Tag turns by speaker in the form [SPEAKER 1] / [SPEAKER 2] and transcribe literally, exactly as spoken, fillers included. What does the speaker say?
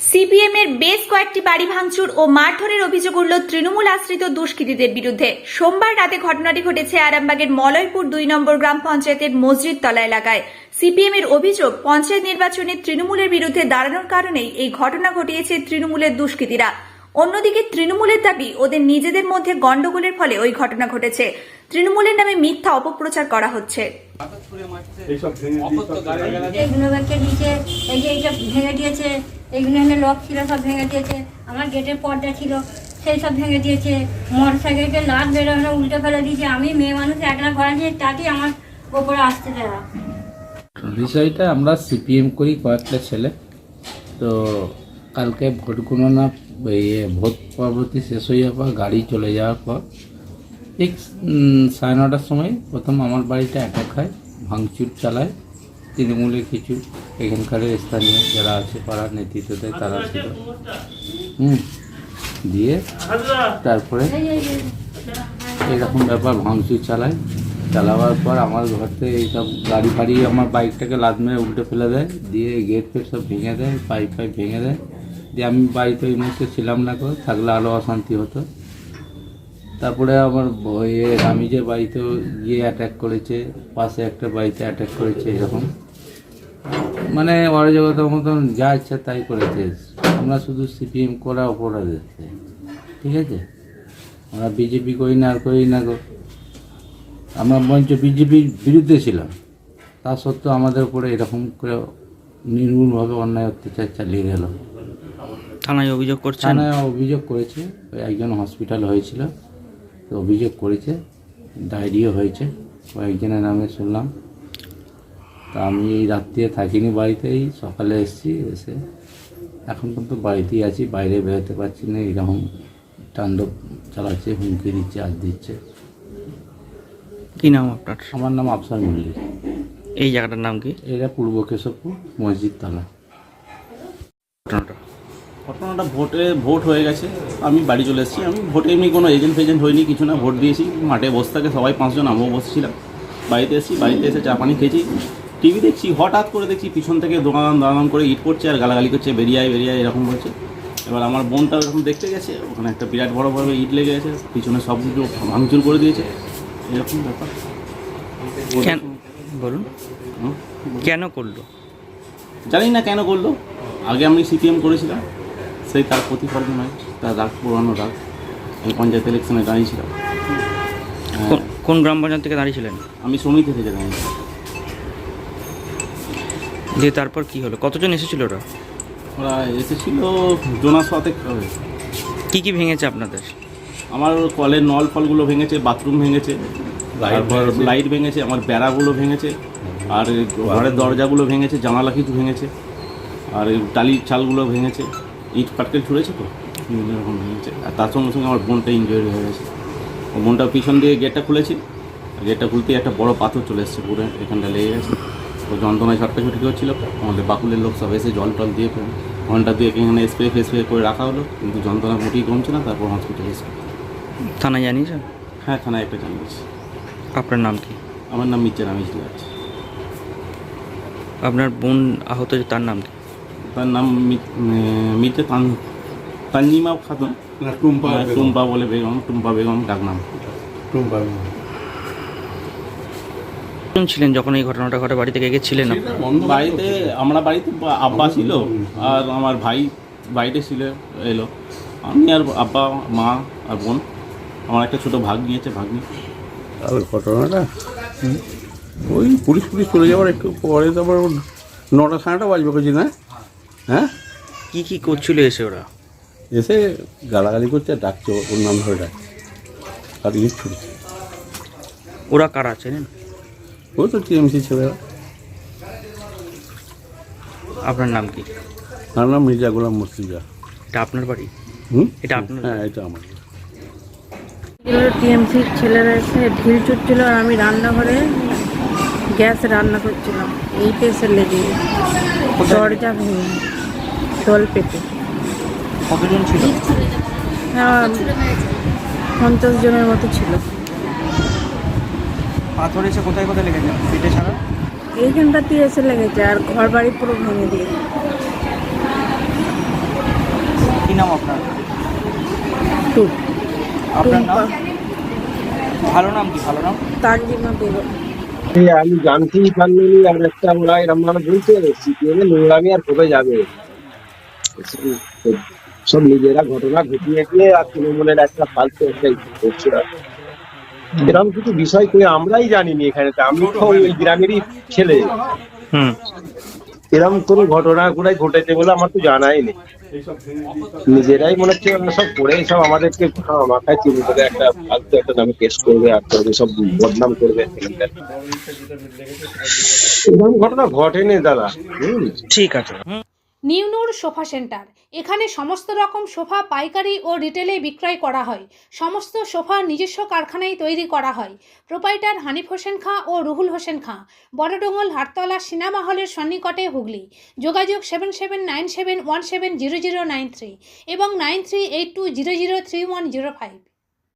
[SPEAKER 1] CPM এর বেশ কয়েকটি বাড়ি ভাঙচুর ও মারধরের অভিযোগ উঠল তৃণমূল আশ্রিত দুষ্কৃতীদের বিরুদ্ধে। সোমবার রাতে ঘটনাটি ঘটেছে আরামবাগের মলয়পুর দুই নম্বর গ্রাম পঞ্চায়েতের মসজিদতলা এলাকায়। সিপিএম এর অভিযোগ, পঞ্চায়েত নির্বাচনে তৃণমূলের বিরুদ্ধে দাঁড়ানোর কারণেই এই ঘটনা ঘটিয়েছে তৃণমূলের দুষ্কৃতীরা। অন্যদিকে তৃণমূলের দাবি, ওদের নিজেদের মধ্যে গন্ডগোলের ফলে ওই ঘটনা ঘটেছে। তৃণমূলের নামে মিথ্যা অপপ্রচার করা হচ্ছে।
[SPEAKER 2] এইগুলো এনে লক ছিল, সব ভেঙে দিয়েছে। আমার গেটের পর্দা ছিল, সেই সব ভেঙে দিয়েছে। মোটর সাইকেলকে লাট বেরোনো উল্টে ফেলে দিয়েছে। আমি মেয়ে মানুষ, একলা ঘরে দিয়ে তাতেই আমার ওপরে আসতে দেয়।
[SPEAKER 3] বিষয়টা আমরা সিপিএম করি কয়েকটা ছেলে, তো কালকে ভোট গণনা ভোট পরবর্তী শেষ হয়ে যাওয়ার পর গাড়ি চলে যাওয়ার পর ঠিক সাড়ে নটার সময় প্রথম আমার বাড়িটা অ্যাটাক হয়, ভাঙচুর চালায় তৃণমূলের কিছু এখানকার স্থানীয় যারা আছে পাড়ার নেতৃত্বদের তারা ছিল। হুম দিয়ে তারপরে এরকম ব্যাপার ভাঙচুর চালায়। চালাবার পর আমার ঘর থেকে এইসব গাড়ি ফাড়ি আমার বাইকটাকে লাদ মেরে উল্টে ফেলে দেয়, দিয়ে গেট ফেট সব ভেঙে দেয়, পাইপ ফাইপ ভেঙে দেয়। দিয়ে আমি বাড়িতে ওই মুহূর্তে ছিলাম না, করে থাকলে আরও অশান্তি হতো। তারপরে আমার বইয়ের আমি যে বাড়িতেও গিয়ে অ্যাটাক করেছে, পাশে একটা বাড়িতে অ্যাটাক করেছে, এরকম মানে অরাজকতার মতন যা ইচ্ছা তাই করেছে। আমরা শুধু সিপিএম করা অপরাধ, ঠিক আছে? আমরা বিজেপি করি না আর করি না গো, আমরা মঞ্চ বিজেপির বিরুদ্ধে ছিলাম, তা সত্ত্বেও আমাদের উপরে এরকম করে নির্মূলভাবে অন্যায় অত্যাচার চালিয়ে গেল।
[SPEAKER 4] থানায় অভিযোগ করছে?
[SPEAKER 3] থানায় অভিযোগ করেছে, ওই একজন হসপিটাল হয়েছিল, তো অভিযোগ করেছে, ডায়রিও হয়েছে কয়েকজনের নামে শুনলাম। তা আমি এই রাত্রিতে থাকিনি বাড়িতেই, সকালে এসেছি, এসে এখন পর্যন্ত বাড়িতেই আছি, বাইরে বেরোতে পারছি না। এরকম তাণ্ডব চালাচ্ছে, হুমকি দিচ্ছে, আজ দিচ্ছে।
[SPEAKER 4] কী নাম আপনার?
[SPEAKER 3] আমার নাম আফসার মল্লিক।
[SPEAKER 4] এই জায়গাটার নাম কি?
[SPEAKER 3] এটা পূর্ব কেশবপুর মসজিদতলা।
[SPEAKER 4] ঘটনাটা
[SPEAKER 5] ঘটনাটা ভোটে ভোট হয়ে গেছে, আমি বাড়ি চলে এসেছি। আমি ভোটে এমনি কোনো এজেন্ট ফেজেন্ট হয়নি, কিছু না, ভোট দিয়েছি। মাঠে বসে থাকে সবাই, পাঁচজন, আমিও বসেছিলাম। বাড়িতে এসেছি, বাড়িতে এসে চা পানি খেয়েছি, টিভি দেখছি, হঠাৎ করে দেখছি পিছন থেকে দোকান দাঁড়ান করে ইট করছে আর গালাগালি করছে, বেরিয়ায় বেরিয়ায় এরকম বলছে। এবার আমার বোনটা এরকম দেখতে গেছে, ওখানে একটা বিরাট বড় বড় ইট লেগে গেছে, পিছনে সব কিছু ভাঙচুর করে দিয়েছে, এরকম ব্যাপার।
[SPEAKER 4] কেন বলুন, কেন করলো?
[SPEAKER 5] জানি না কেন করলো। আগে আমি সিপিএম করেছিলাম, সেই তার প্রতিফলন নয়, তার রাগ পুরানো রাগ। আমি পঞ্চায়েত ইলেকশনে দাঁড়িয়েছিলাম।
[SPEAKER 4] কোন গ্রাম পঞ্চায়েত থেকে দাঁড়িয়েছিলেন?
[SPEAKER 5] আমি সমিতি থেকে দাঁড়িয়েছিলাম।
[SPEAKER 4] দিয়ে তারপর কি হলো? কতজন এসেছিল ওরা?
[SPEAKER 5] ওরা এসেছিল জোনাস সাথে।
[SPEAKER 4] কী কী ভেঙেছে আপনাদের?
[SPEAKER 5] আমার কলের নল ফলগুলো ভেঙেছে, বাথরুম ভেঙেছে, তারপর লাইট ভেঙেছে, আমার বেড়াগুলো ভেঙেছে, আর ঘরের দরজাগুলো ভেঙেছে, জানালা কিছু ভেঙেছে, আর টালির চালগুলো ভেঙেছে, ইট পাটকেল ছুঁড়েছে, তো বিভিন্ন রকম ভেঙেছে। আর তার সঙ্গে সঙ্গে আমার বোনটা ইনজুরি হয়ে গেছে। ও বোনটা পিছন দিয়ে গেটটা খুলেছি, গেটটা খুলতেই একটা বড় পাথর চলে এসেছে, পুরো এখানটা লেগে গেছে। ও যন্ত্রণায় ছটকাছুটি করছিল। আমাদের বাকুলের লোক সব এসে জল টল দিয়ে ঘন্টা দিয়ে এখানে স্প্রে ফেস্প্রে করে রাখা হলো, কিন্তু যন্ত্রণা মোটেই কমছে না। তারপর হসপিটালে এসে
[SPEAKER 4] থানায় জানিয়েছেন?
[SPEAKER 5] হ্যাঁ, থানায় একটা জানিয়েছি।
[SPEAKER 4] আপনার নাম কি?
[SPEAKER 5] আমার নাম মির্জা রামিজ আছে।
[SPEAKER 4] আপনার বোন আহত, তার নাম কি?
[SPEAKER 5] তার নাম মির্জা তানজিমা খাতুন, টুম্পা টুম্পা বলে বেগম, টুম্পা বেগম ডাক নাম। টুম্পা বেগম
[SPEAKER 4] ছিলেন যখন এই ঘটনাটা ঘটে? বাড়ি থেকে গেছিলেন?
[SPEAKER 5] বাড়িতে, আমরা বাড়িতে আব্বা ছিল আর আমার ভাই বাড়িতে ছিল, এলো। আমি আর আব্বা, মা আর বোন, আমার একটা ছোটো ভাগ নিয়েছে, ভাগ নিয়ে।
[SPEAKER 6] আর ঘটনাটা ওই পুলিশ পুলিশ চলে যাওয়ার একটু পরে, তারপর নটা সাড়েটা বাজবে করছি না। হ্যাঁ,
[SPEAKER 4] কি কি করছিল এসে ওরা?
[SPEAKER 6] এসে গালাগালি করছে, ডাকছে, ওর নাম ধরে ডাকছে, আর ইট ছুটছে।
[SPEAKER 4] ওরা কারা চেনেন?
[SPEAKER 6] ওই তো টিএমসি ছেলেরা।
[SPEAKER 4] আপনার নাম কি?
[SPEAKER 6] আমার নাম মির্জা গোলাম মুর্শিদা।
[SPEAKER 4] এটা আপনার বাড়ি?
[SPEAKER 6] হুম,
[SPEAKER 4] এটা আপনার?
[SPEAKER 6] হ্যাঁ, এটা আমার।
[SPEAKER 7] টিএমসির ছেলেরা এসে ঢিল ছুটছিল, আর আমি রান্নাঘরে গ্যাসে রান্না করছিলাম। এইটা এসে লেগে দরজা ভেঙে জল পেটে।
[SPEAKER 4] কতজন ছিল?
[SPEAKER 7] হ্যাঁ, পঞ্চাশ জনের মতো ছিল।
[SPEAKER 4] পাথর এসে কোথায় কোথায় লেগেছে? পিঠে ছাড়া
[SPEAKER 7] এইখানটাতে এসে লেগেছে, আর ঘর বাড়ি পুরো ভেঙে দিয়ে।
[SPEAKER 4] নাম আপনার?
[SPEAKER 7] টুক
[SPEAKER 4] আপনার নাম? ভালো নাম কি? ভালো নাম?
[SPEAKER 7] তানজিমা বেগম।
[SPEAKER 8] এই আমি জানতেই পারিনি আর একটা ওরা এরম ভাবে বলছে সিপিএম এর নোংরামি আর কোথায় যাবে সব নিজেরা ঘটনা ঘটিয়ে গিয়ে আর তৃণমূলের একটা ফালতু একটা ই করছে আর। এরকম কিছু বিষয় করে আমরাই জানিনি এখানে আমি তো ওই গ্রামেরই ছেলে
[SPEAKER 4] হুম।
[SPEAKER 8] এরকম কোনো ঘটনা গুলাই ঘটেছে বলে আমার তো জানাই নেই নিজেরাই মনে হচ্ছে ওরা সব করে সব আমাদেরকে মাথায় চিনি করে একটা ফালতু একটা নামে কেস করবে আর করবে সব বদনাম করবে এরকম ঘটনা ঘটেনি দাদা হম
[SPEAKER 4] ঠিক আছে।
[SPEAKER 9] নিউনুর সোফা সেন্টার। এখানে সমস্ত রকম সোফা পাইকারি ও রিটেলে বিক্রয় করা হয়। সমস্ত সোফা নিজস্ব কারখানায় তৈরি করা হয়। প্রোপাইটার হানিফ হোসেন খাঁ ও রুহুল হোসেন খাঁ, বড়ডোঙ্গল হাটতলা সিনেমা হলের সন্নিকটে, হুগলি। যোগাযোগ seven seven nine seven one seven zero zero nine three এবং nine three eight two zero zero three one zero five.